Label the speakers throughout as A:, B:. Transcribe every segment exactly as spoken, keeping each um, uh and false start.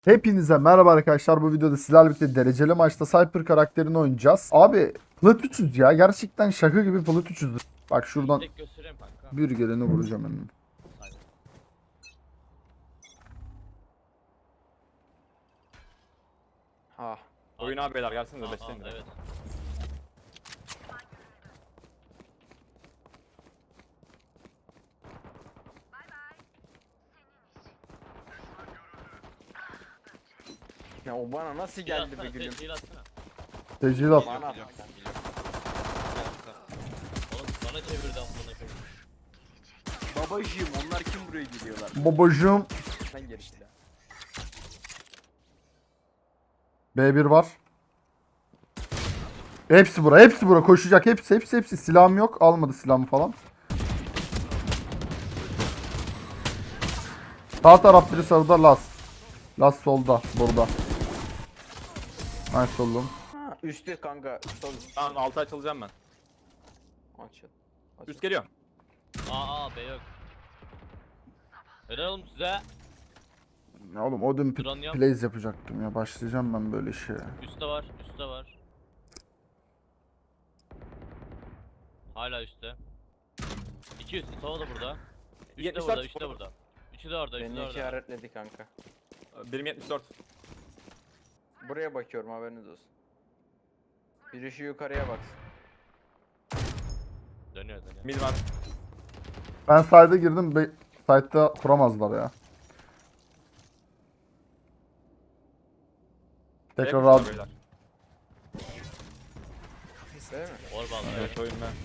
A: Hepinize merhaba arkadaşlar. Bu videoda sizlerle birlikte dereceli maçta Cypher karakterini oynayacağız. Abi plat üçüz ya. Gerçekten şaka gibi plat üçüz. Bak şuradan
B: Tek göstereyim kanka.
A: bir geleni vuracağım hemen.
B: Sayın.
C: Ha.
D: Oyun abi beyler gelsinize
B: Aa,
D: beşleyin
B: aa,
D: de.
B: evet.
C: Ya o bana nasıl
B: Geldi
C: geldi be gülüm?
B: Değil atsana.
A: Tecil at.
C: Bana at.
B: Oğlum bana çevirdi amına koyayım.
C: Babacığım onlar kim buraya geliyorlar?
A: Babacığım.
C: Ben gerisi ya.
A: B bir var. Hepsi bura. Hepsi bura. Koşacak. Hepsi hepsi hepsi. Silahım yok. Almadı silahımı falan. Sağ taraf biri sağda. Las. Las solda. Burada. Nice oldum.
C: Ha, üstte kanka. Sol üst.
D: Tamam altı açılacağım ben.
C: Açıl. Açıl.
D: Üst geliyor.
B: Aa aa B yok. Helal oğlum size.
A: Ya oğlum Odin
B: Drone yap.
A: plays yapacaktım ya. Başlayacağım ben böyle şeye.
B: Üstte var, üstte var. Hala üstte. İki üstte, Sova da burada. Üstte
D: yetmiş
B: burada,
D: dört.
B: üstte burada. Üçü de orada, üçü de
C: Beni
B: orada.
C: işaretledi kanka.
D: Birim yetmiş dört.
C: Buraya bakıyorum haberiniz olsun. Biri şu yukarıya baksın.
B: Dönüyor dönüyor.
D: Mid var.
A: Ben side'a girdim. Be side'da kuramazlar ya. Tekrar
D: B
A: al.
D: yapmışlar beyler.
C: Değil mi?
B: Orban evet.
D: Evet oyun ben.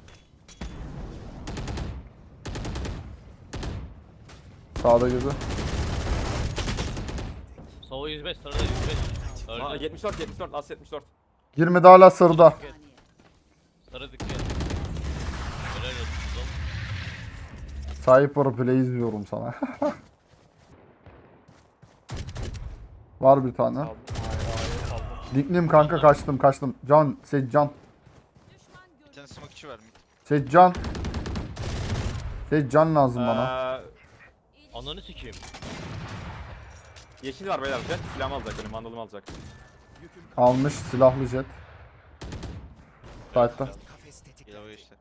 A: Sağda girdi.
B: Sova yüz beş, sırada yüz beş.
D: Aa,
B: Öldü.
D: yetmiş dört yetmiş dört as yetmiş dört.
A: Girmedi hala sarıda.
B: Sarı dikkat. Helal olsun oğlum.
A: Cypher play izliyorum sana. Var bir tane.
C: Saldım. Hayır hayır saldım.
A: Diklim kanka kaçtım kaçtım. Can, Seccan.
E: Bir tane smokeçi var mı?
A: Seccan. Seccan lazım bana.
D: Ee,
B: Ananı sikeyim.
D: yeşil var beyler. Jet silahımı alacak benim mandalımı alacak.
A: Almış silahlı jet. Side'da.
E: Gel işte.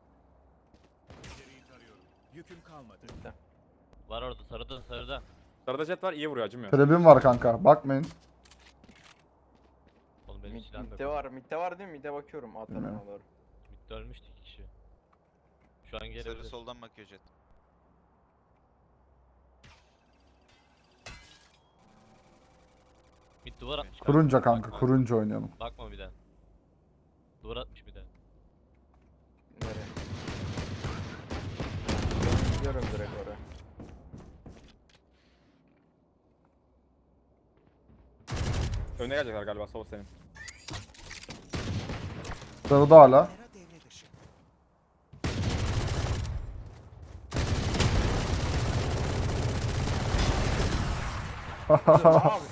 B: Var orada, sarıda, sarıda.
D: Sarıda jet var iyi vuruyor acımıyor.
A: Trebim var kanka bakmayın.
B: Oğlum benim
C: Mid,
B: silahım yok.
C: midde var. Midde var değil mi? Midde bakıyorum. Atarım
A: Bilmiyorum.
C: doğru.
B: Midde ölmüştü iki kişi. Şu an
E: Sarı
B: gelebilir.
E: soldan bakıyor jet.
B: Mid duvar atmış.
A: Kurunca kanka
B: Bakma.
A: kurunca oynayalım.
B: Bakma bir de. Duvar atmış bir de.
C: Nereye? Ben gidiyorum direkt oraya.
D: Önüne gelecekler galiba sol senin.
A: Sarıda hala.
C: Abi.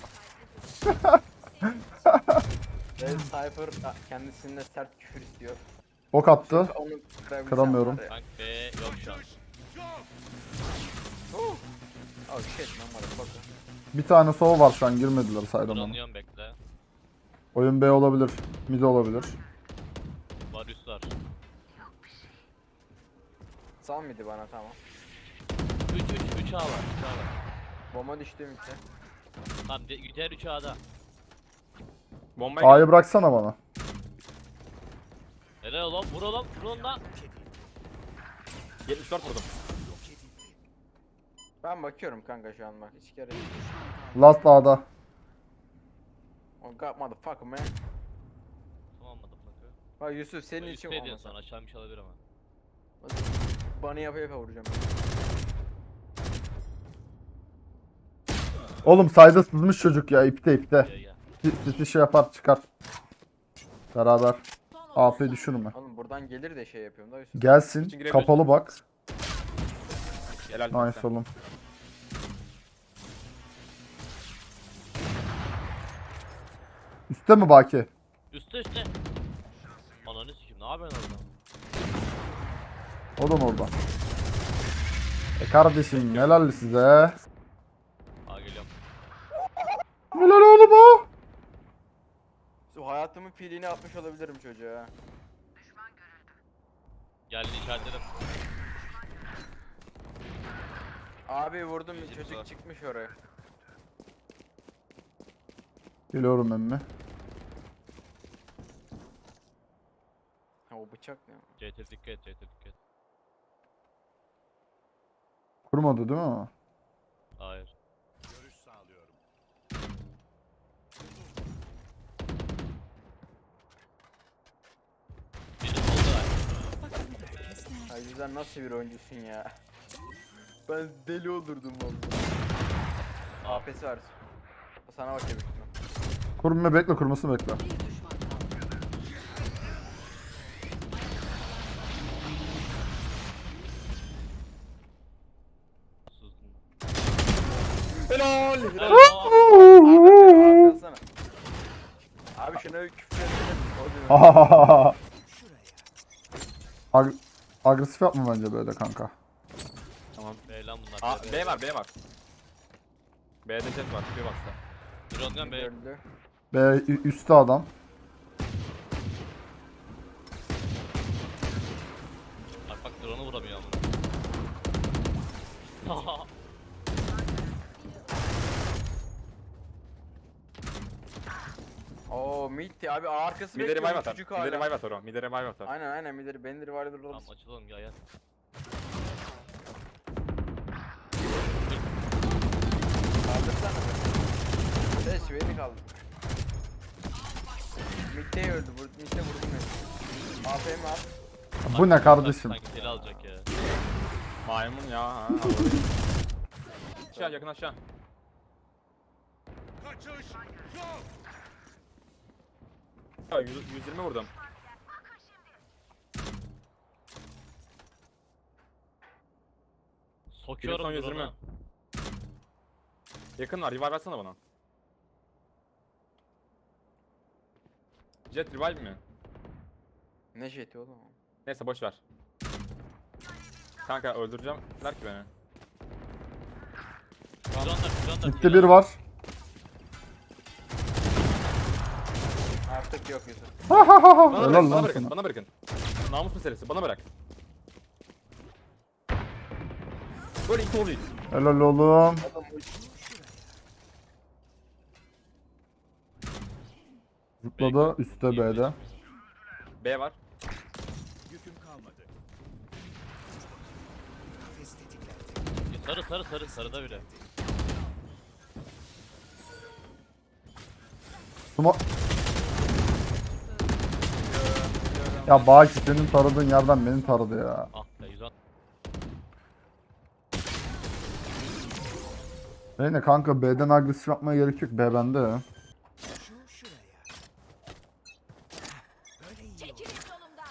C: Red Cypher a, kendisine sert küfür istiyor.
A: Ok attı.
C: Onu kırabilsem
A: Kıramıyorum.
C: var ya.
B: Tank B yok şu an.
C: Oh. Oh shit man motherfucker.
A: Bir tane sol var şu an girmediler side'a bana.
B: Drone'luyorum bekle.
A: Oyun B olabilir. Mid olabilir.
B: Var üst var.
C: Sal mıydı bana tamam.
B: üç üç üç A var. üç A var.
C: Bomba düştü midde.
B: Tamam de, diğer üç A'da.
D: Bombaya
A: A'yı bıraksana bana.
B: Helal oğlum vur oğlum vur oğlum lan.
D: yetmiş dört vurdum.
C: Ben bakıyorum kanka şu an bak hiç kere.
A: Last A'da.
C: Oh god motherfucker man.
B: Tamam motherfucker.
C: Bak Yusuf senin
B: Senin
C: için
B: üstte diyorsun
C: olmasa.
B: sana aşağı bir şey olabilir ama.
C: Bana yapa yapa vuracağım.
A: Oğlum side'a sızmış çocuk ya ipte ipte.
B: Gel gel.
A: Sisi şey yapar çıkar. Beraber. A P düşürme.
C: Oğlum buradan gelir de şey yapıyorum da Yusuf.
A: Gelsin.
D: İçin girebilirsin.
A: Kapalı bak.
D: Helal.
A: Nice oğlum. Üste mi Baki?
B: Üstte üstte. Ananı sikeyim ne yapıyorsun orada?
A: O da mı orada? E kardeşim helal size.
B: Aa geliyorum.
C: hayatımın pilini atmış olabilirim çocuğa.
B: Geldi işaretledim.
C: Abi vurdum
E: Yüzümüz
C: çocuk
E: var.
C: çıkmış oraya.
A: Geliyorum emmi.
C: Ha o bıçak ne?
B: C T dikkat et, C T dikkat et.
A: Kurmadı değil mi?
B: Hayır. Biri solda var.
C: Ay güzel nasıl bir oyuncusun ya. Ben deli olurdum vallahi. A P'si var. Sana bakıyor büyük ihtimal.
A: Kurma bekle, kurmasını bekle.
F: Bir düşman kaldı.
B: Sustum.
C: Helal!
B: Helal.
C: Abi arkasana. Abi şuna bir küfür edelim. O diyor.
A: Ag agresif yapma bence böyle kanka.
D: Tamam.
B: B lan bunlar.
D: Aa, B var B var. B'de jet var. Bir bastı.
B: Drone'dan B.
C: Öldü.
A: B ü- üstte adam.
B: Bak bak drone'u vuramıyor ama.
C: Oo mid abi arkası
D: Midleri
C: bekliyor
D: vibe atar.
C: çocuk
D: Midleri
C: hala.
D: vibe atar o. Midleri vibe atar.
C: Aynen aynen midleri benleri var dur
B: Tamam açılalım ya ya.
C: Kaldırsana. Seç beni kaldır. Mid'de öldü. Vur- Mid'de vurdum beni. A P M at.
A: Bu ne kardeşim?
B: Sanki deli alacak ya.
D: Maymun ya. Ha. Aşağı yakın aşağı. Ya yüz, yüz yirmi vurdum.
B: Sokuyorum
D: son yüz yirmi.
B: drone'u.
D: Yakın var. Revive atsana bana. Jet revive mi?
C: Ne jeti oğlum?
D: Neyse boş ver. Kanka öldüreceğim. Der ki beni.
B: Drone'da, drone'da.
A: Mid'de bir var.
C: Artık yok Yusuf.
D: Bana
A: Helal
D: bırakın,
A: lan
D: bana bırakın,
A: sana.
D: bana bırakın. Namus meselesi, bana bırak. Böyle iki oluyor.
A: Helal oğlum.
C: Adam
A: Zıpladı üstte B'de.
D: B var.
B: Sarı sarı sarı sarıda bile.
A: Sumo... Ya Baki senin taradığın yerden beni taradı ya.
B: Ah be yüz altmış.
A: Neyse kanka B'den agresif yapmaya gerek yok. B bende.
F: Çekilin yolumdan.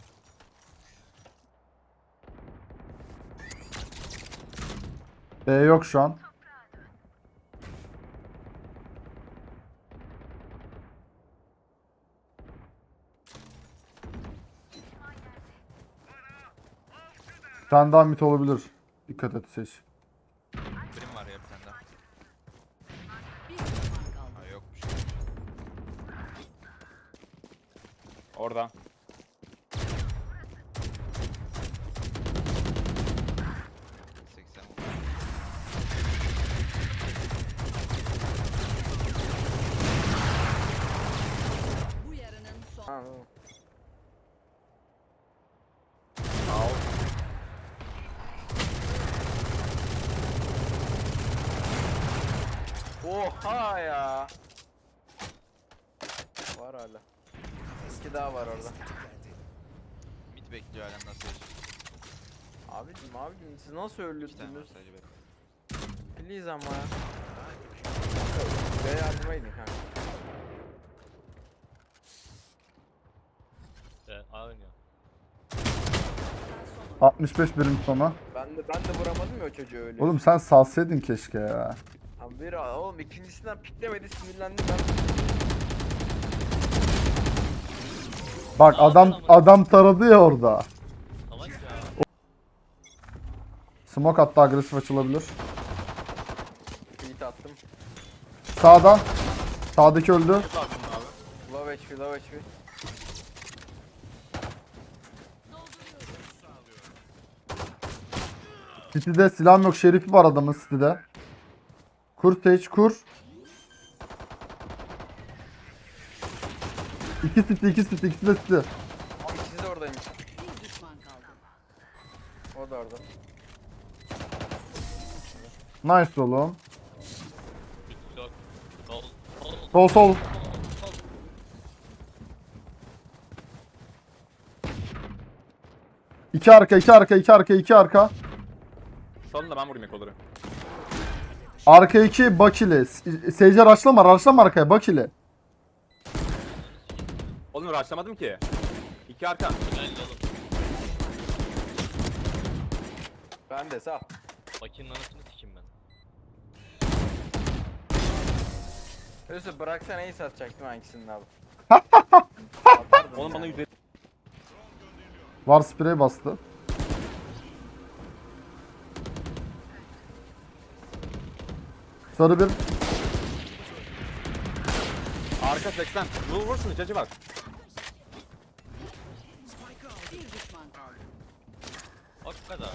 A: B yok şu an. Bir tane daha mit olabilir. Dikkat et seç.
E: Birim var ya bir tane daha.
F: Bir düşman kaldı.
E: Ha yokmuş.
D: Orada.
E: seksen vurdu.
F: Bu yarının son.
C: Ha, tamam.
D: Al.
C: Oha ya. Var hala. İki daha var orada.
E: Mid bekliyor hala nasıl yaşıyor?
C: Abicim abicim siz nasıl
E: İki tane var
C: öldürdünüz?
E: sadece be.
C: Please ama ya. Be yardıma gidin kanka.
B: Be aynı.
A: altmış beş birim sona.
C: Ben de ben de vuramadım ya o çocuğu öyle.
A: Oğlum sen salsaydın keşke ya.
C: Abi bir oğlum ikincisinden piklemedi sinirlendim ben.
A: Bak adam adam taradı ya orada.
B: Salak ya.
A: Smoke hatta agresif açılabilir.
C: Beat attım.
A: Sağdan. Sağdaki öldü.
D: Tut abi bunu abi.
C: Low Low H P, low H P.
A: City'de silahım yok. Şerifi var adamın City'de. Kur Sage kur. İki City, iki City, ikisi de City.
C: Abi ikisi de oradaymış.
F: Bir düşman kaldı.
C: O da orada.
A: Nice oğlum.
B: Üst yok. Sol. Sol.
A: Sol sol. İki arka, iki arka, iki arka, iki arka.
D: Sonunda ben vurayım kolları.
A: Arka iki Bakili. Seyirci raşlama, raşlama arkaya Bakili.
D: Oğlum rushlamadım ki. İki arka.
B: Tünelde oğlum.
C: Ben de sağ.
B: Bakayım anasını sikeyim ben.
C: Yusuf bıraksana iyi satacaktım hangisini abi.
D: Oğlum bana yüz elli.
A: Var sprey bastı. Sarı bir.
D: Arka seksen. Vur vur şunu cacı bak.
F: Bir düşman kaldı.
B: O kadar.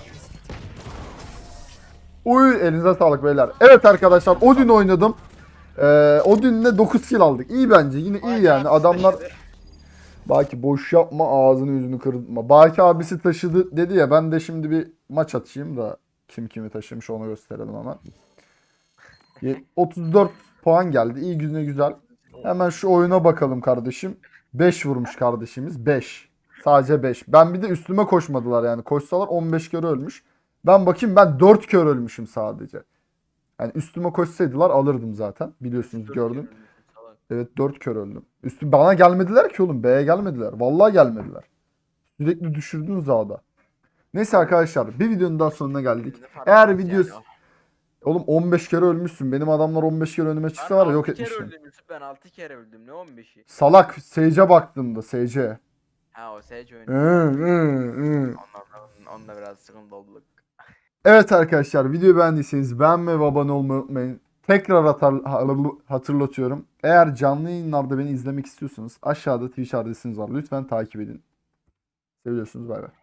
A: Uy elinize sağlık beyler. Evet arkadaşlar Odin oynadım. Ee, Odin'le dokuz kill aldık. İyi bence yine iyi yani adamlar. Baki boş yapma ağzını yüzünü kırma. Baki abisi taşıdı dedi ya ben de şimdi bir maç atayım da kim kimi taşımış onu gösterelim hemen. Ye- otuz dört puan geldi. İyi güne güzel. Hemen şu oyuna bakalım kardeşim. beş vurmuş kardeşimiz. beş. Sadece beş. Ben bir de üstüme koşmadılar yani. Koşsalar on beş kere ölmüş. Ben bakayım ben dört kere ölmüşüm sadece. Yani üstüme koşsaydılar alırdım zaten. Biliyorsunuz gördüm. Evet dört kere öldüm. Üstü bana gelmediler ki oğlum. B'ye gelmediler. Vallahi gelmediler. Sürekli düşürdünüz dağda. Neyse arkadaşlar bir videonun daha sonuna geldik. Eğer video... Oğlum on beş kere ölmüşsün. Benim adamlar on beş kere önüme çıksa var ya yok
C: altı kere
A: etmiştim.
C: öldüm Yusuf, ben altı kere öldüm. Ne on beşi?
A: Salak. Sage'e baktığımda Sage'e.
C: Ha o Sage oyunu.
A: Hı, hı, hı.
C: Onunla, onunla biraz sıkıntı olduk.
A: Evet arkadaşlar videoyu beğendiyseniz beğenmeyi ve abone olmayı unutmayın. Tekrar atar, hatırlatıyorum. Eğer canlı yayınlarda beni izlemek istiyorsanız aşağıda Twitch adresiniz var. Lütfen takip edin. Seviyorsunuz bay bay.